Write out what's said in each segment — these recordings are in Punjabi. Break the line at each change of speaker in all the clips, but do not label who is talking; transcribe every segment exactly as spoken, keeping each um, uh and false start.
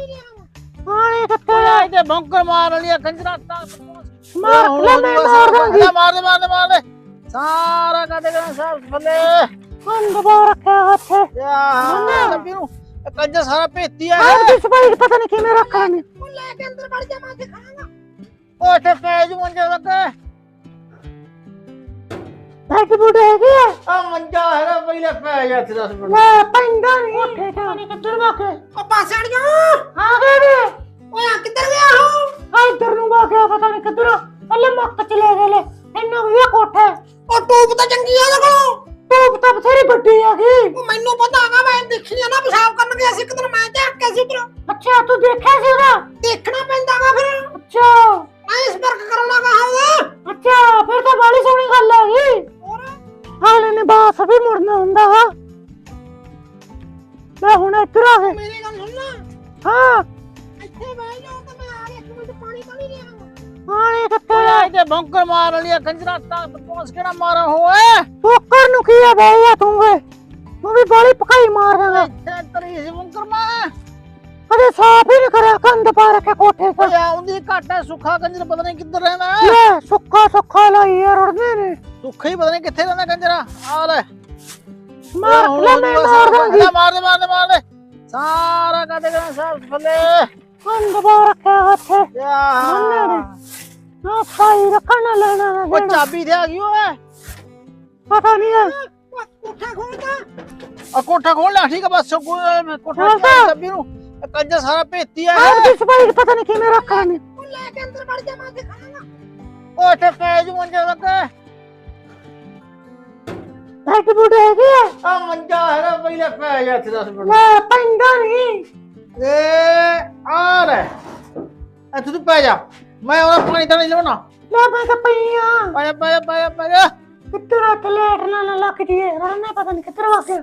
ਪਾਣੀ ਕਿੱਥੇ
ਆ ਇਹਦੇ ਭੌਂਕਰ ਮਾਰ ਲਿਆ ਕੰਜਰਾ ਤਾਂ
ਮਾਰ ਲੈ ਮੈਂ ਮਾਰ ਦਾਂਗੀ
ਮਾਰ ਦੇ ਮਾਰ ਦੇ ਮਾਰ ਦੇ ਸਾਰਾ ਕਾਦੇ ਕਰਾਂ ਸਾਫ ਥੱਲੇ
ਕੰਦ ਬਾ ਰੱਖਿਆ ਹੱਥੇ
ਯਾ ਵੀਰੂ ਕੰਜਰ ਸਾਰਾ ਭੇਤੀ ਆ
ਆਹ ਦੀ ਸਫਾਈ ਪਤਾ ਨਹੀਂ ਕਿਵੇਂ ਰੱਖ ਲੈਣੀ
ਉਹ ਲੈ ਕੇ ਅੰਦਰ ਵੜ ਜਾ ਮੈਂ ਦਿਖਾਵਾਂਗਾ
ਉਹ ਇੱਥੇ ਪੈਜ ਮੰਜੇ ਲੱਗੇ
ਬੈਠ ਬੁੱਢੇ ਹੈਗੇ
ਆ ਮੰਜਾ ਹੈਗਾ ਪਹਿਲੇ ਪੈ ਜਾ ਇੱਥੇ ਦਸ ਮਿੰਟ
ਲੈ ਪੈਂਦਾ ਨਹੀਂ ਉੱਠੇ ਜਾਣੀ ਕਿੱਧਰ ਵਾਕੇ
ਉਹ ਪਾਸੇ ਹਟ ਜਾ
ਆ ਗਏ ਵੇ
ਓਏ ਆ ਕਿੱਧਰ ਗਿਆ ਹੋ
ਆ ਇੱਧਰ ਨੂੰ ਵਾਕੇ ਪਤਾ ਨਹੀਂ ਕਿੱਧਰ ਅੱਲੇ ਮੱਕ ਚ ਲੈ ਗਏ ਲੈ ਇੰਨਾ ਵੀ ਕੋਠੇ
ਉਹ ਟੂਬ ਤਾਂ ਚੰਗੀ ਆ ਉਹਦੇ ਕੋਲੋਂ
ਟੂਬ ਤਾਂ ਬਥੇਰੀ ਵੱਡੀ ਆ ਗਈ
ਉਹ ਮੈਨੂੰ ਪਤਾ ਹੈਗਾ ਮੈਂ ਦੇਖੀ ਆ ਨਾ ਪਿਸ਼ਾਬ ਕਰਨ ਗਿਆ ਸੀ ਇੱਕ ਦਿਨ ਮੈਂ ਝਾਕ ਕੇ ਸੀ ਉਧਰ
ਅੱਛਾ ਤੂੰ ਦੇਖਿਆ ਸੀ ਉਹਦਾ
ਦੇਖਣਾ ਪੈਂਦਾਗਾ ਫਿਰ
ਅੱਛਾ
ਮੈਂ ਇਸ ਵਰਕ ਕਰਾਉਣਾ ਕਹਾ ਉਹਦਾ
ਅੱਛਾ ਫਿਰ ਤਾਂ ਬੜੀ ਸੋਹਣੀ ਗੱਲ ਹੈਗੀ
ਹੋਰ
ਹਾਲੇ ਨੇ ਬਾਸ ਵੀ ਮੁੜਨਾ ਹੁੰਦਾ ਵਾ ਮੈਂ ਹੁਣ ਇੱਧਰ ਆ ਗਏ
ਮੇਰੀ ਗੱਲ ਸੁਣ ਲੈ
ਹਾਂ
ਇੱਥੇ ਬਹਿ ਜਾ ਤਾਂ ਮੈਂ ਆ ਗਿਆ ਇੱਕ ਮਿੰਟ ਪਾਣੀ ਤਾਂ ਨਹੀਂ ਲਿਆ
ਪਾਣੀ ਕਿੱਥੇ
ਆ ਇਹਦੇ ਭੌਂਕਰ ਮਾਰ ਲਿਆ ਕੰਜਰਾ ਤਾਂ ਪੋਸ ਕਿਹੜਾ ਮਾਰਾ ਹੋਏ
ਫੋਕਰ ਨੂੰ ਕੀ ਆ ਬਈ ਤੂੰ ਵੇ ਤੂੰ ਵੀ ਬੜੀ ਪਕਾਈ ਮਾਰ ਦੇਗਾ
ਇੱਥੇ ਤਰੀ ਸੀ ਭੌਂਕਰ ਮਾਰ
ਅਰੇ ਸਾਫ ਹੀ ਨਹੀਂ ਕਰਿਆ ਕੰਧ ਪਾ ਰੱਖਿਆ ਕੋਠੇ ਤੇ
ਓਏ ਆਉਂਦੀ ਘੱਟ ਹੈ ਸੁੱਖਾ ਕੰਜਰ ਪਤਾ ਨਹੀਂ ਕਿੱਧਰ ਰਹਿੰਦਾ
ਲੈ ਸੁੱਕਾ ਸੁੱਕਾ ਲਾਈ ਯਾਰ ਉੜਦੇ ਨੇ
ਸੁੱਖਾ ਹੀ ਪਤਾ ਨਹੀਂ ਕਿੱਥੇ ਰਹਿੰਦਾ ਕੰਜਰਾ ਆ ਲੈ
ਮਾਰ ਲੈ ਮੈਂ ਮਾਰ ਦਾਂਗੀ
ਮਾਰ ਦੇ ਮਾਰ ਦੇ ਮਾਰ ਦੇ ਸਾਰਾ ਕਾਦੇ ਕਰਾਂ ਸਾਫ ਥੱਲੇ
ਕੰਧ ਪਾ ਰੱਖਿਆ ਹੱਥੇ
ਯਾ
ਨਾ ਸਾਈ ਰੱਖਣਾ ਲੈਣਾ ਨਾ
ਉਹ ਚਾਬੀ ਤੇ ਆ ਗਈ ਓਏ
ਪਤਾ ਨਹੀਂ ਹੈ
ਕੋਠਾ ਖੋਲਦਾ
ਆ ਕੋਠਾ ਖੋਲ ਲੈ ਠੀਕ ਆ ਬਸ ਕੋਠਾ
ਖੋਲ ਤਾ।
ਚਾਬੀ ਨੂੰ ਕੰਜਰ ਸਾਰਾ ਭੇਤੀ ਆ
ਆਹ ਦੀ ਸਫਾਈ ਪਤਾ ਨਹੀਂ ਕਿਵੇਂ ਰੱਖ ਲੈਣੀ
ਉਹ ਲੈ ਕੇ ਅੰਦਰ ਵੜ ਜਾ ਮੈਂ ਦਿਖਾਵਾਂਗਾ
ਉਹ ਇੱਥੇ ਪੈਜ ਮੰਜੇ ਲੱਗੇ
ਬੈਠ ਬੁੱਢੇ ਹੈਗੇ
ਆ ਮੰਜਾ ਹੈਗਾ ਪਹਿਲੇ ਪੈ ਜਾ ਇੱਥੇ ਦਸ ਮਿੰਟ
ਲੈ ਪੈਂਦਾ ਨਹੀਂ
ਏ ਆ ਲੈ ਇੱਥੇ ਤੂੰ ਪੈ ਜਾ ਮੈਂ ਉਹਦਾ ਪਾਣੀ ਤਾਂ ਨਹੀਂ ਲਾਉਣਾ
ਲੈ ਮੈਂ ਤਾਂ ਪਈ ਆ
ਪੈ ਜਾ ਪੈ ਜਾ ਪੈ ਜਾ ਪੈ ਜਾ
ਕਿੱਧਰ ਆ ਲੇਟ ਨਾ ਨਾ ਲੱਗ ਜੀਏ ਰਣਨੇ ਪਤਾ ਨਹੀਂ ਕਿੱਧਰ ਵਾਗੇ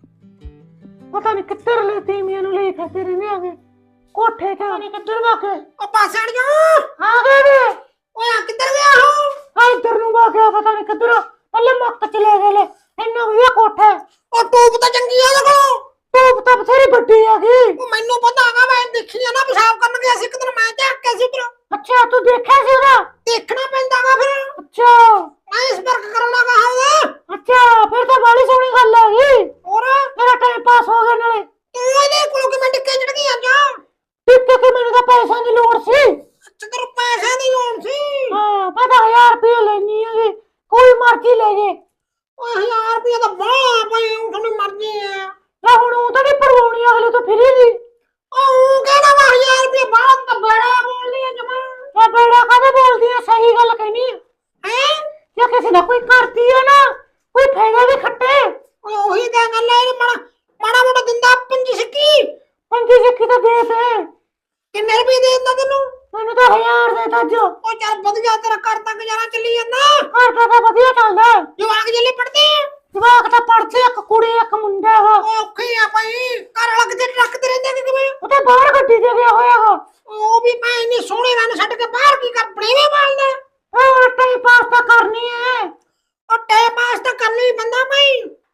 ਪਤਾ ਨਹੀਂ ਕਿੱਧਰ ਲੈ ਤੀਮੀਆਂ ਨੂੰ ਲੈ ਕੇ ਤੇਰੇ ਨੇ ਆਗੇ ਕੋਠੇ ਤੇ ਨਹੀਂ ਕਿੱਧਰ ਵਾਗੇ
ਉਹ ਪਾਸੇ ਹਟ ਜਾ
ਆ ਗਏ ਵੇ
ਓਏ ਆ ਕਿੱਧਰ ਗਿਆ ਹੋ
ਆ ਇੱਧਰ ਨੂੰ ਵਾਗੇ ਪਤਾ ਨਹੀਂ ਕਿੱਧਰ ਅੱਲੇ ਮੱਕ ਚ ਲੈ ਗਏ ਲੈ ਇੰਨਾ ਵੀ ਕੋਠੇ
ਉਹ ਟੂਬ ਤਾਂ ਚੰਗੀ ਆ ਉਹਦੇ ਕੋਲੋਂ
ਟੂਬ ਤਾਂ ਬਥੇਰੀ ਵੱਡੀ ਆ ਗਈ
ਉਹ ਮੈਨੂੰ ਪਤਾ ਹੈਗਾ ਮੈਂ ਦੇਖੀ ਆ ਨਾ ਪਿਸ਼ਾਬ ਕਰਨ ਗਿਆ ਸੀ ਇੱਕ ਦਿਨ ਮੈਂ ਝਾਕ ਕੇ ਸੀ ਉਧਰ
ਅੱਛਾ ਤੂੰ ਦੇਖਿਆ ਸੀ ਉਹਦਾ
ਦੇਖਣਾ ਪੈਂਦਾਗਾ ਫਿਰ
ਅੱਛਾ
ਮੈਂ ਇਸ ਵਰਕ ਕਰਾਉਣਾ ਕਹਾ ਉਹਦਾ
ਅੱਛਾ ਫਿਰ ਤਾਂ ਬੜੀ ਸੋਹਣੀ ਗੱਲ ਹੈਗੀ
ਹੋਰ
ਮੇਰਾ ਟਾਈਮ ਪਾਸ ਹੋ ਗਿਆ ਨਾਲੇ
ਤੂੰ ਇਹਦੇ ਕੋਲੋਂ ਕਿਵੇਂ ਟਿੱਕੇ ਚੜ ਗਈ ਅੱਜ
ਟਿੱਕੇ ਕਿ ਮੈਨੂੰ ਤਾਂ ਪੈਸਾ ਦੀ ਲੋੜ ਸੀ
ਅੱਛਾ ਤੇਰੇ ਪੈਸੇ ਦੀ ਲੋੜ ਸੀ
ਹਾਂ ਪਤਾ ਹਜ਼ਾਰ ਰੁਪਏ ਲੈਣੀ ਹੈਗੀ ਕੋਈ ਮਰਜ਼ੀ ਲੈ ਜੇ
ਓਏ ਹਜ਼ਾਰ ਰੁਪਏ ਤਾਂ ਬਾਹਲਾ ਪਈ ਉਹ ਤੁਹਾਡੀ ਮਰਜ਼ੀ ਆ
ਲੈ ਹੁਣ ਉਹ ਤਾਂ ਨਹੀਂ ਪਰਵਾਉਣੀ ਅਗਲੇ ਤੋਂ ਫਿਰੀ ਦੀ
ਉਹ ਕਹਿੰਦਾ ਵਾ ਹਜ਼ਾਰ ਰੁਪਏ ਬਾਹਲਾ ਤਾਂ ਬੜਾ ਬੋਲਦੀ ਆ ਜਮਾ
ਇਹ ਬੇੜਾ ਕਾਹਦੇ ਬੋਲਦੀ ਆ ਸਹੀ ਗੱਲ ਕਹਿਨੀ ਆ
ਹੈ
ਜੇ ਕਿਸੇ ਦਾ ਕੋਈ ਕਰਦੀ ਆ ਨਾ ਕੋਈ ਫਾਇਦਾ ਵੀ ਖੱਟੇ
ਓਏ ਉਹੀ ਤਾਂ ਗੱਲ ਹੈ ਮਾੜਾ ਮਾੜਾ ਮੋਟਾ ਦਿੰਦਾ ਪੰਜੀ ਸਿੱਕੀ
ਪੰਜੀ ਸਿੱਕੀ ਤਾਂ ਦੇ ਤੇ
ਕਿੰਨੇ ਰੁਪਏ ਦੇ ਦਿੰਦਾ ਤੈਨੂੰ
ਮੈਨੂੰ ਤਾਂ ਹਜ਼ਾਰ ਦੇ ਤਾ ਜੋ
ਉਹ ਚੱਲ ਵਧੀਆ ਤੇਰਾ ਘਰ ਤੱਕ ਜਾਣਾ ਚੱਲੀ ਜਾਂਦਾ
ਘਰ ਦਾ ਤਾਂ ਵਧੀਆ ਚੱਲਦਾ
ਜਵਾਕ ਜੱਲੇ ਪੜਦੇ ਆ
ਜਵਾਕ ਤਾਂ ਪੜਦੇ ਇੱਕ ਕੁੜੀ ਇੱਕ ਮੁੰਡਾ ਹੈਗਾ
ਉਹ ਔਖੇ ਆ ਭਾਈ ਘਰ ਵਾਲਾ ਕਿਤੇ ਰੱਖਦੇ ਰਹਿੰਦੇ ਕਿ ਕਿਵੇਂ
ਉਹ ਤਾਂ ਬਾਹਰ ਗੱਡੀ ਦੇ ਗਿਆ ਹੋਇਆ ਹੈਗਾ
ਉਹ ਵੀ ਮੈਂ ਇੰਨੀ ਸੋਹਣੀ ਰਨ ਛੱਡ ਕੇ ਬਾਹਰ ਕੀ ਕਰ ਬੜੇਵੇਂ ਮਾਲਦਾ
ਇਹ ਹੁਣ ਟਾਈਮ ਪਾਸ ਤਾਂ ਕਰਨੀ ਹੈ
ਉਹ ਟਾਈਮ ਪਾਸ ਤਾਂ ਕਰਨਾ ਹੀ ਬੰਦਾ ਭਾਈ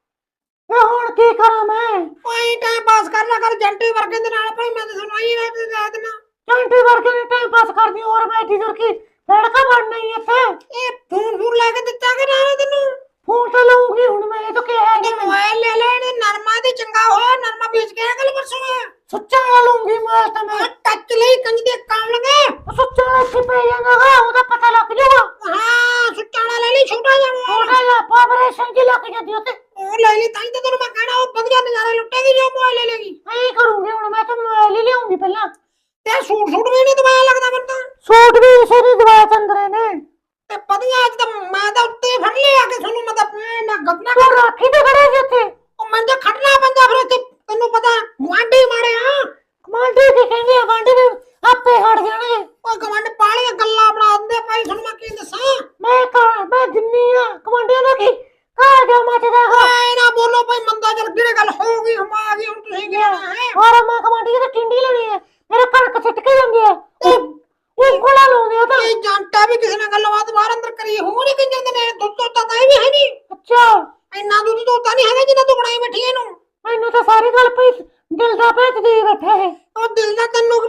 ਇਹ ਹੁਣ ਕੀ ਕਰਾਂ ਮੈਂ
ਕੋਈ ਟਾਈਮ ਪਾਸ ਕਰ ਲਿਆ ਕਰ ਜੰਟੀ ਵਰਗੇ ਦੇ ਨਾਲ ਭਾਈ ਮੈਂ ਤਾਂ ਸੁਣਾਈ ਰਹਿ ਤੇ ਰਹਿ ਦੇਣਾ
ਚੰਟੀ ਵਰਗੇ ਨੇ ਟਾਈਮ ਪਾਸ ਕਰਦੀ ਹੋਰ ਮੈਂ ਇੱਥੇ ਜੁਰ ਕੀ ਲੜਕਾ ਬਣਨਾ ਹੀ ਇੱਥੇ
ਇਹ ਫੋਨ ਫੂਨ ਲੈ ਕੇ ਦਿੱਤਾ ਕਿ ਨਾ ਇਹਨੇ ਤੈਨੂੰ
ਫੋਨ ਤਾਂ ਲਊਂਗੀ ਹੁਣ ਮੈਂ ਇਹ ਤਾਂ ਕਿਹਾ
ਇਹ
ਨਹੀਂ
ਮੋਬਾਈਲ ਲੈ ਲੈ ਇਹਨੇ ਨਰਮਾ ਦੀ ਚੰਗਾ ਹੋਇਆ ਨਰਮਾ ਵੇਚ ਕੇ ਕੱਲ ਪਰਸੋਂ
ਸੁੱਚਾ ਨਾ ਲਊਂਗੀ ਮੈਂ ਤਾਂ ਮੈਂ
ਟੱਚ ਲਈ ਕੰਜ ਦੇ ਕੰਮ ਲਗੇ
ਸੁੱਚਾ ਨਾ ਇੱਥੇ ਪੈ ਜਾਣਾ ਉਹਦਾ ਪਤਾ ਲੱਗ ਜਾਊਗਾ
ਹਾਂ ਸੁੱਚਾਣਾ ਲੈ ਲਈ ਛੋਟਾ ਜਿਹਾ ਮੋਬਾਈਲ।
ਛੋਟਾ ਜਿਹਾ ਪਾਵਰੇਸ਼ਨ ਜੀ ਲੱਗ ਜਾਂਦੀ ਉੱਤੇ
ਉਹ ਲੈ ਲਈ ਤਾਂ ਹੀ ਤਾਂ ਤੈਨੂੰ ਮੈਂ ਕਹਿਣਾ ਉਹ ਵਧੀਆ ਨਜ਼ਾਰੇ ਲੁੱਟੇਗੀ ਜੋ ਮੋਬਾਈਲ ਲੈ ਲੇਗੀ
ਐਂ ਕਰੂੰਗੀ ਹੁਣ ਮੈਂ ਤਾਂ ਮੋਬਾਈਲ ਹੀ ਲਿਆਉਂਗੀ ਪਹਿਲਾਂ
ਤੇ ਸੂਟ ਸੂਟ ਵੀ ਨਹੀਂ ਦਵਾਇਆ ਲੱਗਦਾ ਮੈਨੂੰ ਤਾਂ
ਸੂਟ ਵੀ ਇਸੇ ਦੀ ਦਵਾਇਆ ਚੰਦਰੇ ਨੇ
ਤੇ ਵਧੀਆ ਅੱਜ ਤਾਂ ਮੈਂ ਤਾਂ ਉੱਤੇ ਫੜ ਲਿਆ ਕਿ ਤੁਹਾਨੂੰ ਮੈਂ ਤਾਂ ਮੈਂ ਗੱਪਨਾ
ਤੂੰ ਰਾਖੀ ਤੇ ਖੜੇ ਸੀ ਉੱਥੇ
ਉਹ ਮੈਂ ਤਾਂ ਖੜਨਾ ਪੈਂਦਾ ਫਿਰ ਉੱਥੇ ਤੈਨੂੰ ਪਤਾ ਗੁਆਂਢੀ ਮਾੜੇ ਆ
ਕਮਾਂਡੀ ਕੀ ਕਹਿੰਦੇ ਆ ਗਾਂਢੀ ਵੀ ਆਪੇ ਹਟ ਜਾਣਗੇ
ਉਹ ਗਵਾਂਢ ਪਾਲੀਆਂ ਗੱਲਾਂ ਬਣਾ ਦਿੰਦੇ ਭਾਈ ਤੁਹਾਨੂੰ ਮੈਂ ਕੀ ਦੱਸਾਂ
ਮੈਂ ਕਹਾਂ ਮੈਂ ਜਿੰਨੀ ਆ ਕਮਾਂਡੀਆਂ ਦਾ ਕੀ ਘਰ ਜਾ ਮੱਚਦਾ ਹੈਗਾ
ਐ ਨਾ ਬੋਲੋ ਭਾਈ ਮੰਦਾ ਚੱਲ ਕਿਹੜੇ ਗੱਲ ਹੋ ਗਈ ਹਮਾ ਆ ਗਈ ਹੁਣ ਤੁਸੀਂ ਕੀ ਲੈਣਾ ਹੈ
ਔਰ ਮੈਂ ਕਮਾਂਡੀ ਦੀ ਟਿੰਡੀ ਲੈਣੀ ਹੈ ਮੇਰੇ ਕਣਕ ਸਿੱਟ ਕੇ ਜਾਂਦੀ ਹੈ ਉਹ ਉਹ ਕੋਲਾ ਲਾਉਂਦੇ ਆ ਤਾਂ
ਇਹ ਜੰਟਾ ਵੀ ਕਿਸੇ ਨਾਲ ਗੱਲਬਾਤ ਬਾਹਰ ਅੰਦਰ ਕਰੀ ਹੋ ਨਹੀਂ ਕਿ ਜਾਂਦੇ ਨੇ ਦੁੱਧ ਤੋਤਾ ਤਾਂ ਇਹ ਵੀ ਹੈ ਨਹੀਂ
ਅੱਛਾ
ਇੰਨਾ ਦੁੱਧ ਤੋਤਾ ਨਹੀਂ ਹੈਗਾ ਜਿੰਨਾ ਤੂੰ ਬਣਾਈ ਬੈਠੀ ਇਹਨੂੰ
ਮੈਨੂੰ ਤਾਂ ਸਾਰੀ ਗੱਲ ਪਈ ਦਿਲ ਦਾ ਭੇਜਦੀ ਬੈਠੇ ਹੈ
ਉਹ ਦਿਲ ਦਾ ਤੈਨੂੰ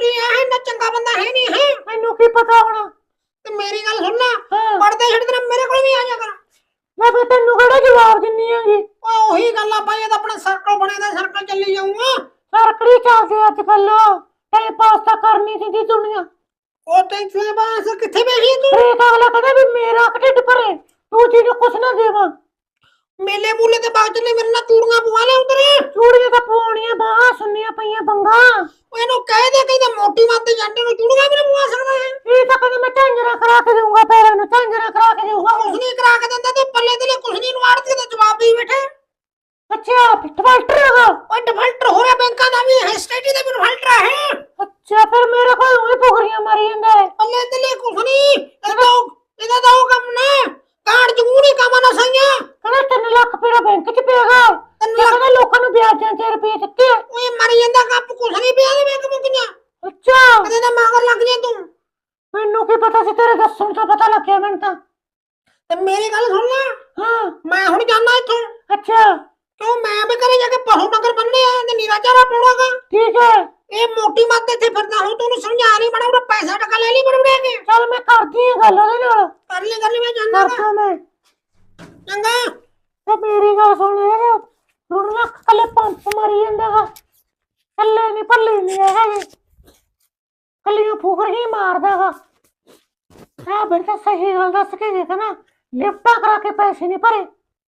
ਕੁੜੀ ਆ ਹੈ ਨਾ ਚੰਗਾ ਬੰਦਾ ਹੈ ਨਹੀਂ ਹੈ
ਮੈਨੂੰ ਕੀ ਪਤਾ ਹੁਣ
ਤੇ ਮੇਰੀ ਗੱਲ ਸੁਣ ਲੈ
ਹਾਂ
ਪੜਦੇ ਛੱਡ ਤੇਰਾ ਮੇਰੇ ਕੋਲ ਵੀ ਆ ਜਾ ਕਰ
ਮੈਂ ਫਿਰ ਤੈਨੂੰ ਕਿਹੜਾ ਜਵਾਬ ਦਿੰਨੀ ਹੈਗੀ
ਓਏ ਉਹੀ ਗੱਲ ਆ ਭਾਈ ਇਹ ਤਾਂ ਆਪਣਾ ਸਰਕਲ ਬਣਿਆ ਦਾ ਸਰਕਲ ਚੱਲੀ ਜਾਊਗਾ
ਸਰਕੜੀ ਚੱਲਦੇ ਅੱਜ ਕੱਲ ਟਾਈਮ ਪਾਸ ਤਾਂ ਕਰਨੀ ਸੀ ਦੁਨੀਆ
ਉਹ ਟੈਂਸ਼ਨ ਬਾਸ ਕਿੱਥੇ ਬੈਠੀ ਤੂੰ
ਹਰੇਕ ਅਗਲਾ ਕਹਿੰਦਾ ਵੀ ਮੇਰਾ ਢਿੱਡ ਭਰੇ ਤੂੰ ਜੀ ਨੂੰ ਕੁਛ ਨਾ ਦੇਵਾਂ
ਮੇਲੇ ਮੂਲੇ ਤੇ ਬਾਗ ਚੱਲੇ ਮੇਰੇ ਨਾਲ ਚੂੜੀਆਂ ਪਵਾ ਲੈ ਉਧਰ
ਚੂੜੀਆਂ ਤਾਂ ਪਾਉਣੀਆਂ ਬਾਹਾਂ ਸੁੰਨੀਆਂ ਪਈਆਂ ਬੰਗਾ
ਉਹ ਇਹਨੂੰ ਕਹਿ ਦੇ ਕਹਿੰਦਾ ਮੋਟੀ ਮੱਤ ਜੰਡੇ ਨੂੰ ਚੂੜੀਆਂ ਵੀ ਨੀ ਪਵਾ ਸਕਦਾ ਹੈ
ਇਹ ਤਾਂ ਕਹਿੰਦਾ ਮੈਂ ਝਾਂਜਰਾ ਕਰਾ ਕੇ ਦਊਂਗਾ ਪੈਰਾਂ ਨੂੰ ਝਾਂਜਰਾ ਕਰਾ ਕੇ ਦਊਂਗਾ
ਕੁਛ ਨਹੀਂ ਕਰਾ ਕੇ ਦਿੰਦਾ ਤੇ ਪੱਲੇ ਤੇ ਕੁਛ ਨਹੀਂ ਨਵਾੜਦੀ ਤੇ ਜਵਾਬ ਦੇ ਬੈਠੇ
ਅੱਛਾ ਫਿੱਟਵਾਲਟਰ ਹੈਗਾ
ਓਏ ਡਿਫਾਲਟਰ ਹੋਇਆ ਬੈਂਕਾਂ ਦਾ ਵੀ ਹੈ ਸਟੇਟੀ ਦਾ ਵੀ ਡਿਫਾਲਟਰ ਹੈ
ਅੱਛਾ ਫਿਰ ਮੇਰੇ ਕੋਲ ਉਹੀ ਫੁਕਰੀਆਂ ਮਾਰੀ ਜਾਂਦਾ ਹੈ
ਪੱਲੇ ਤੇ ਕੁਛ ਨਹੀਂ ਇਹਦਾ ਇਹਦਾ ਤਾਂ ਉਹ ਕੰਮ ਨਾ ਕਾਰਡ ਜਗੂਰੀ ਕੰਮ ਨਾ ਸਈਆਂ
ਕਹਿੰਦਾ ਤਿੰਨ ਲੱਖ ਰੁਪਏ ਬੈਂਕ 'ਚ ਪਿਆਗਾ ਤੇ ਕਹਿੰਦਾ ਲੋਕਾਂ ਨੂੰ ਵਿਆਜਾਂ ਤੇ ਰੁਪਏ ਦਿੱਤੇ
ਓਏ ਮਰ ਜਾਂਦਾ ਕੱਪ ਕੁਛ ਨਹੀਂ ਪਿਆ ਦੇ ਬੈਂਕ ਮੁੱਕੀਆਂ
ਅੱਛਾ
ਕਦੇ ਨਾ ਮਗਰ ਲੱਗ ਜਾ ਤੂੰ
ਮੈਨੂੰ ਕੀ ਪਤਾ ਸੀ ਤੇਰੇ ਦੱਸਣ ਤੋਂ ਪਤਾ ਲੱਗਿਆ ਮੈਨੂੰ ਤਾਂ
ਤੇ ਮੇਰੀ ਗੱਲ ਸੁਣ ਲੈ
ਹਾਂ
ਮੈਂ ਹੁਣ ਜਾਣਾ ਇੱਥੋਂ
ਅੱਛਾ
ਕਿਉਂ ਮੈਂ ਵੀ ਘਰੇ ਜਾ ਕੇ ਪਹੂ ਨਗਰ ਬੰਨੇ ਆ ਤੇ ਨੀਰਾ ਚਾਰਾ ਪਾਉਣਾਗਾ
ਠੀਕ ਹੈ
ਇਹ ਮੋਟੀ ਮੱਤ ਇੱਥੇ ਫਿਰਦਾ ਹੋ ਤੂੰ ਉਹਨੂੰ ਸਮਝਾ ਨਹੀਂ ਬੜਾ ਉਹ ਪੈਸਾ ਟਕਾ ਲੈ ਲਈ ਬੜਬੜੇ ਕੇ
ਚੱਲ ਮੈਂ ਕਰਦੀ ਹਾਂ ਗੱਲ ਉਹਦੇ ਨਾਲ
ਕਰ ਲਈ ਕਰ ਲਈ ਮੈਂ ਜਾਣਾ
ਕਰਦਾ ਮੈਂ
ਚੰਗਾ
ਤੇ ਮੇਰੀ ਗੱਲ ਸੁਣ ਯਾਰ ਹੁਣ ਨਾ ਕੱਲੇ ਪੰਪ ਮਾਰੀ ਜਾਂਦਾ ਵਾ ਕੱਲੇ ਨਹੀਂ ਭੱਲੇ ਨਹੀਂ ਹੈਗਾ ਜੀ ਕੱਲੀਆਂ ਫੁਕਰ ਹੀ ਮਾਰਦਾ ਵਾ ਆ ਬੰਦਾ ਸਹੀ ਗੱਲ ਦੱਸ ਕੇ ਦੇਖਾ ਨਾ ਲਿਫਟਾਂ ਕਰਾ ਕੇ ਪੈਸੇ ਨਹੀਂ ਭਰੇ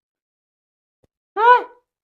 ਹੈ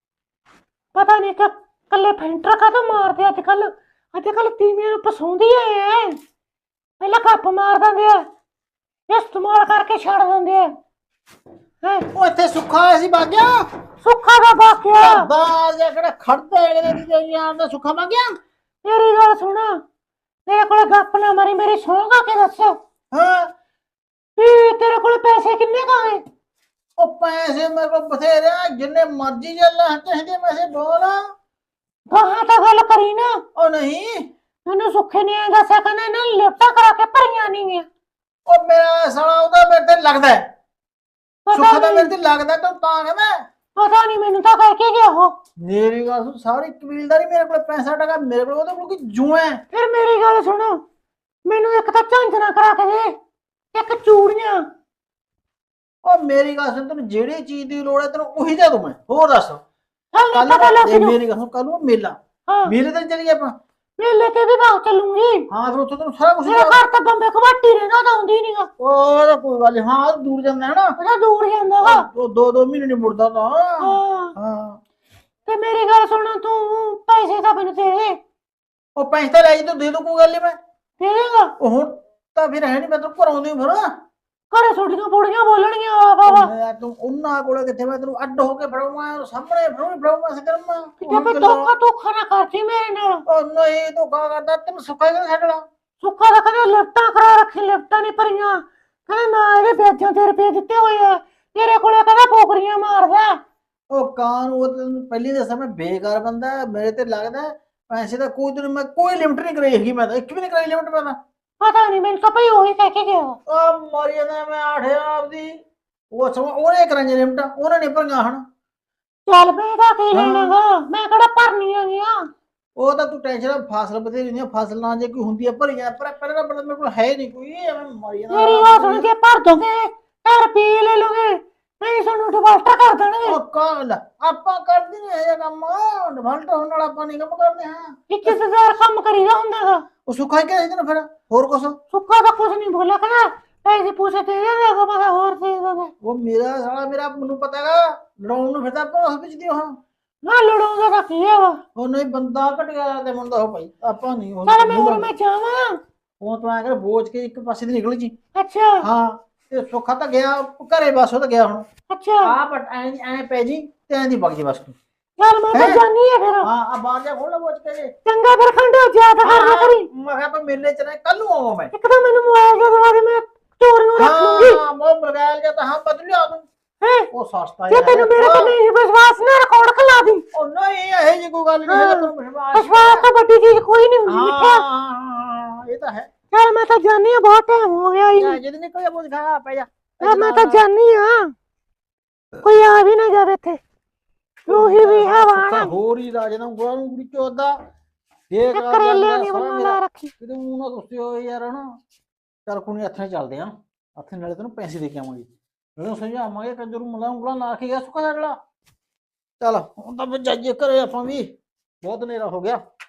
ਪਤਾ ਨਹੀਂ ਕਿ ਕੱਲੇ ਫੈਂਟਰ ਕਾਹਤੋਂ ਮਾਰਦੇ ਅੱਜ ਕੱਲ ਅੱਜ ਕੱਲ ਤੀਵੀਆਂ ਨੂੰ ਪਸੰਦ ਹੀ ਹੈ ਪਹਿਲਾਂ ਕੱਪ ਮਾਰ ਦਿੰਦੇ ਆ ਇਸਤੇਮਾਲ ਕਰਕੇ ਛੱਡ ਦਿੰਦੇ ਆ ਹੈ
ਉਹ ਇੱਥੇ ਸੁੱਖਾ ਆਇਆ ਸੀ ਬਾਗਿਆ
ਸੁੱਖਾ ਦਾ ਬਾਕਿਆ
ਬਾਹਰ ਜਾ ਕੇ ਖੜਦੇ ਇਹਦੇ ਦੀ ਯਾਰ ਦਾ ਸੁੱਖਾ ਮੰਗਿਆ
ਮੇਰੀ ਗੱਲ ਸੁਣ ਤੇਰੇ ਕੋਲ ਗੱਪ ਨਾ ਮਾਰੀ ਮੇਰੀ ਸੌਂਗਾ ਕੇ ਦੱਸ
ਹਾਂ
ਵੀ ਤੇਰੇ ਕੋਲ ਪੈਸੇ ਕਿੰਨੇ ਕਾਏ
ਉਹ ਪੈਸੇ ਮੇਰੇ ਕੋਲ ਬਥੇਰੇ ਆ ਜਿੰਨੇ ਮਰਜ਼ੀ ਜੱਲਾ ਚਾਹੀਦੇ ਪੈਸੇ ਬੋਲ
ਗਾਹਾਂ ਤਾਂ ਗੱਲ ਕਰੀ ਨਾ
ਉਹ ਨਹੀਂ
ਮੈਨੂੰ ਸੁੱਖੇ ਨੇ ਦੱਸਿਆ ਕਹਿੰਦਾ ਇਹਨਾਂ ਨੇ ਲਿਫਟਾਂ ਕਰਾ ਕੇ ਭਰੀਆਂ ਨਹੀਂ ਆ
ਉਹ ਮੇਰਾ ਸਾਲਾ ਉਹਦਾ ਮੇਰੇ ਤੇ ਲੱਗਦਾ ਹੈ। ਸੁੱਖਾ
ਪਤਾ
ਦਾ ਮੇਰੇ
ਨਹੀਂ
ਤੇ ਲੱਗਦਾ ਤੂੰ ਤਾਂ ਕਹਿੰਦਾ
ਪਤਾ ਨਹੀਂ ਮੈਨੂੰ ਤਾਂ ਕਹਿ ਕੇ ਗਿਆ ਉਹ
ਮੇਰੀ ਗੱਲ ਸੁਣ ਸਾਰੀ ਕਬੀਲਦਾਰੀ ਮੇਰੇ ਕੋਲ ਪੈਸਾ ਟਕਾ ਮੇਰੇ ਕੋਲ ਉਹਦੇ ਕੋਲ ਕੀ ਜੂਆ ਹੈ
ਫਿਰ ਮੇਰੀ ਗੱਲ ਸੁਣ ਮੈਨੂੰ ਇੱਕ ਤਾਂ ਝਾਂਜਰਾ ਕਰਾ ਕੇ ਦੇ ਇੱਕ ਚੂੜੀਆਂ
ਉਹ ਮੇਰੀ ਗੱਲ ਸੁਣ ਤੈਨੂੰ ਜਿਹੜੀ ਚੀਜ਼ ਦੀ ਲੋੜ ਹੈ ਤੈਨੂੰ ਉਹੀ ਦੇ ਦੂੰ ਮੈਂ ਹੋਰ ਦੱਸ
ਹਾਲੇ
ਕੱਲ
ਪਤਾ ਲੱਗ ਜੂ
ਮੇਰੀ ਗੱਲ ਸੁਣ ਕੱਲ ਨੂੰ ਮੇਲਾ
ਹਾਂ
ਮੇਲੇ ਤੇ ਚੱਲੀਏ ਆਪਾਂ
ਮੇਲੇ ਤੇ ਵੀ ਬਾਹਰ ਚੱਲੂਗੀ
ਹਾਂ ਫਿਰ ਉੱਥੇ ਤੈਨੂੰ ਸਾਰਾ ਕੁਝ
ਮੇਰਾ ਘਰ ਤਾਂ ਬੰਬੇ ਘਵਾਟੀ ਰਹਿੰਦਾ ਤਾਂ ਆਉਂਦੀ ਨਹੀਂਗਾ
ਉਹ ਤਾਂ ਕੋਈ ਗੱਲ ਨੀ, ਹਾਂ ਉਹ ਦੂਰ ਜਾਂਦਾ ਹੈ ਨਾ
ਉਹਦਾ ਦੂਰ ਜਾਂਦਾ ਵਾ
ਉਹ ਦੋ ਦੋ ਮਹੀਨੇ ਨਹੀਂ ਮੁੜਦਾ ਤਾਂ
ਹਾਂ
ਹਾਂ
ਤੇ ਮੇਰੀ ਗੱਲ ਸੁਣ ਤੂੰ ਪੈਸੇ ਤਾਂ ਮੈਨੂੰ ਦੇ ਦੇ
ਉਹ ਪੈਸੇ ਤਾਂ ਲੈ ਜੀ ਤੂੰ ਦੇ ਦੂੰ ਕੋਈ ਗੱਲ ਨਹੀਂ ਮੈਂ
ਦੇ ਦੇਗਾ
ਉਹ ਹੁਣ ਤਾਂ ਫਿਰ ਹੈ ਨਹੀਂ ਮੈਂ ਤੈਨੂੰ ਘਰੋਂ ਦੀ ਫਿਰ
ਘਰੇ ਛੋਟੀਆਂ ਬੋੜੀਆਂ ਬੋਲਣਗੀਆਂ ਆ ਬਾਬਾ
ਮੈਂ ਤੂੰ ਉਹਨਾਂ ਕੋਲੇ ਕਿੱਥੇ ਮੈਂ ਤੈਨੂੰ ਅੱਡ ਹੋ ਕੇ ਫੜਾਉਂਗਾ ਸਾਹਮਣੇ ਫੜਾਉਂ ਫੜਾਉਂਗਾ ਸਿਕਰਮਾ
ਕਿਤੇ ਵੀ ਧੋਖਾ ਧੋਖਾ ਨਾ ਕਰਦੀ ਮੇਰੇ ਨਾਲ
ਉਹ ਨਹੀਂ ਧੋਖਾ ਕਰਦਾ ਤੈਨੂੰ ਸੁੱਖਾ ਹੀ ਛੱਡ ਲਾ
ਸੁੱਖਾ ਦਾ ਕਹਿੰਦਾ ਲਿਫਟਾਂ ਕਰਾ ਰੱਖੀ ਲਿਫਟਾਂ ਨਹੀਂ ਭਰੀਆਂ ਕਹਿੰਦਾ ਨਾ ਇਹਦੇ ਵਿਆਜਾਂ ਤੇ ਰੁਪਏ ਦਿੱਤੇ ਹੋਏ ਆ ਤੇਰੇ ਕੋਲੇ ਕਹਿੰਦਾ ਪੋਕਰੀਆਂ ਮਾਰਦਾ
ਉਹ ਕਾਂ ਉਹ ਤੈਨੂੰ ਪਹਿਲੀ ਦੱਸਾਂ ਮੈਂ ਬੇਕਾਰ ਬੰਦਾ ਹੈ, ਮੇਰੇ ਤੇ ਲੱਗਦਾ ਪੈਸੇ ਦਾ ਕੋਈ ਤੈਨੂੰ ਮੈਂ ਕੋਈ ਲਿਮਟ ਨਹੀਂ ਕਰਾਈ ਹੈਗੀ ਮੈਂ ਤਾਂ ਇੱਕ ਵੀ ਨਹੀਂ ਕਰਾਈ ਲਿਮਟ ਮੈਂ ਤਾਂ
ਪਤਾ ਨਹੀਂ ਮੈਨੂੰ ਤਾਂ ਭਈ ਉਹੀ ਕਹਿ ਕੇ ਗਿਆ
ਆ ਮਾਰੀ ਜਾਂਦਾ ਮੈਂ ਆਠਿਆ ਆਪਦੀ ਉਹ ਸਮਾਂ ਉਹਨੇ ਕਰਾਈਆਂ ਲਿਮਟਾਂ ਉਹਨਾਂ ਨੇ ਭਰੀਆਂ ਹਨ
ਚੱਲ ਬਈ ਦਾ ਕੀ ਲੈਣਾਗਾ ਮੈਂ ਕਿਹੜਾ ਭਰਨੀਆਂ ਗੀਆਂ
ਉਹ ਤਾਂ ਤੂੰ ਟੈਨਸ਼ਨ ਫਸਲ ਬਥੇਰੀ ਹੁੰਦੀ ਆ ਫਸਲ ਨਾ ਜੇ ਕੋਈ ਹੁੰਦੀ ਆ ਭਰੀਆਂ ਪਰ ਪਹਿਲਾਂ ਤਾਂ ਮੇਰੇ ਕੋਲ ਹੈ ਨਹੀਂ ਕੋਈ ਐਵੇਂ ਮਾਰੀ ਜਾਂਦਾ
ਮੇਰੀ ਗੱਲ ਸੁਣ ਕੇ ਭਰ ਦੋਗੇ ਤਾਂ ਰੁਪਏ ਲੈ ਲੋਗੇ ਨਹੀਂ ਸਾਨੂੰ ਡਿਫਾਲਟ ਕਰ ਦੇਣਗੇ
ਉਹ ਕਾਲ ਆਪਾਂ ਕਰਦੇ ਨਹੀਂ ਇਹ ਜਿਹਾ ਕੰਮ ਡਿਫਾਲਟ ਹੋਣ ਵਾਲਾ ਆਪਾਂ ਨਹੀਂ ਕੰਮ ਕਰਦੇ ਹਾਂ
ਇੱਕੀ ਹਜ਼ਾਰ ਕੰਮ ਕਰੀਦਾ ਹੁੰਦਾਗਾ
ਉਹ ਸੁੱਖਾ ਹੀ ਕਿਹਾ ਸੀ ਤੈਨੂੰ ਫਿਰ ਹੋਰ ਕੁਛ
ਸੁੱਕਾ ਤਾਂ ਕੁਝ ਨਹੀਂ ਬੋਲਿਆ ਕਹਿੰਦਾ ਪੈਸੇ ਪੂਸੇ ਦੇ ਦੇਗਾ ਮੈਂ ਹੋਰ ਦੇ ਦੇਗਾ
ਉਹ ਮੇਰਾ ਸਾਲਾ ਮੇਰਾ ਮੈਨੂੰ ਪਤਾ ਹੈਗਾ ਲੜਾਉਣ ਨੂੰ ਫਿਰਦਾ ਪਰ ਉਸ ਵਿੱਚ ਦੀ ਉਹ
ਨਾ ਲੜਾਉਂਦਾ ਤਾਂ ਕੀ ਹੈ ਵਾ
ਉਹ ਨਹੀਂ ਬੰਦਾ ਘਟ ਗਿਆ ਤੇ ਮੁੰਡਾ ਉਹ ਭਾਈ ਆਪਾਂ ਨਹੀਂ ਉਹ
ਚੱਲ ਮੈਂ ਹੁਣ ਮੈਂ ਜਾਵਾਂ
ਉਹ ਤਾਂ ਐ ਕਰ ਬੋਝ ਕੇ ਇੱਕ ਪਾਸੇ ਦੀ ਨਿਕਲ ਜੀ
ਅੱਛਾ
ਹਾਂ ਤੇ ਸੁੱਖਾ ਤਾਂ ਗਿਆ ਘਰੇ ਬਸ ਉਹ ਤਾਂ ਗਿਆ ਹੁਣ
ਅੱਛਾ
ਆ ਬਟ ਐ ਐ ਪੈ ਜੀ ਤੇ ਐਂ ਦੀ ਬਗ ਜੀ ਬਸ ਤੂੰ
ਚੱਲ ਮੈਂ ਤਾਂ ਜਾਣੀ ਹੈ ਫਿਰ
ਹਾਂ ਆ ਬਾਹਰ ਜਾ ਖੋਲ ਬੋਝ ਕੇ
ਚੰਗਾ ਫਿਰ ਖੰਡੋ ਜਾ ਤਾਂ ਕਰਨਾ ਕਰੀ
ਮੈਂ ਕਿਹਾ ਆਪਾਂ ਮੇਲੇ ਚ ਨਾ ਕੱਲ ਨੂੰ ਆਵਾਂ ਮੈਂ
ਇੱਕ ਤਾਂ ਮੈਨੂੰ ਮੋਬਾਈਲ ਦੇ ਦਵਾ ਦੇ ਮੈਂ ਚੋਰ ਨੂੰ ਰੱਖ ਲੂੰਗੀ
ਹਾਂ ਉਹ ਮੋਬਾਈਲ ਜਾਂ ਤਾਂ ਹਾਂ ਬਦਲ ਲਿਆ ਤੂੰ
ਹੈ
ਉਹ ਸਸਤਾ
ਜੇ ਤੈਨੂੰ ਮੇਰੇ ਤੇ ਨਹੀਂ ਵਿਸ਼ਵਾਸ ਨਾ ਰਿਕਾਰਡ ਖਲਾ ਦੀ
ਉਹ ਨਹੀਂ ਇਹ ਜੀ ਕੋਈ ਗੱਲ ਨਹੀਂ ਹੈ ਤੈਨੂੰ ਵਿਸ਼ਵਾਸ
ਵਿਸ਼ਵਾਸ ਤਾਂ ਵੱਡੀ ਚੀਜ਼ ਕੋਈ ਨਹੀਂ ਹੁੰਦੀ ਮਿੱਠਾ
ਹਾਂ ਇਹ ਤਾਂ ਹੈ
ਚੱਲ ਮੈਂ ਤਾਂ ਜਾਣੀ ਆ ਬਹੁਤ ਟਾਈਮ ਹੋ ਗਿਆ ਹੀ
ਜਦ ਨਿਕਲਿਆ ਬੋਝ ਖਾ ਪੈ ਜਾ
ਮੈਂ ਤਾਂ ਜਾਣੀ ਆ ਕੋਈ ਆ ਵੀ ਨਾ ਜਾਵੇ ਇੱਥੇ ਰੂਹੀ ਵੀ ਹਵਾ ਨਾ
ਹੋਰ ਹੀ ਰਾਜ ਨਾ ਗੋਲਾਂ ਨੂੰ ਕੁੜੀ ਚੋਦਾ ਫੇਰ
ਤੇ
ਕਰ
ਕਰੇਲਿਆਂ ਦੀ
ਸਾਰਾ
ਬੰਨਾ
ਮੇਰਾ
ਲਾ ਰੱਖੀ।
ਕਿਤੇ ਮੂੰਹ ਨਾ ਗੁੱਸੇ ਹੋਏ ਯਾਰ ਹਨਾ। ਚੱਲ ਕੋਈ ਹੱਥਾਂ ਚੱਲਦੇ ਆ ਹੱਥ ਨਾਲੇ ਤੈਨੂੰ ਪੈਸੇ ਦੇ ਕੇ ਆਵਾਂਗੇ ਨਾਲੇ ਸਮਝਾਵਾਂਗੇ ਕੰਜਰ ਨੂੰ ਮਲਾ ਉਂਗਲਾਂ ਲਾ ਕੇ ਗਿਆ ਸੁੱਕਾ ਅਗਲਾ। ਚੱਲ ਹੁਣ ਤਾਂ ਫਿਰ ਜਾਈਏ ਘਰੇ ਆਪਾਂ ਵੀ ਬਹੁਤ ਹਨੇਰਾ ਹੋ ਗਿਆ।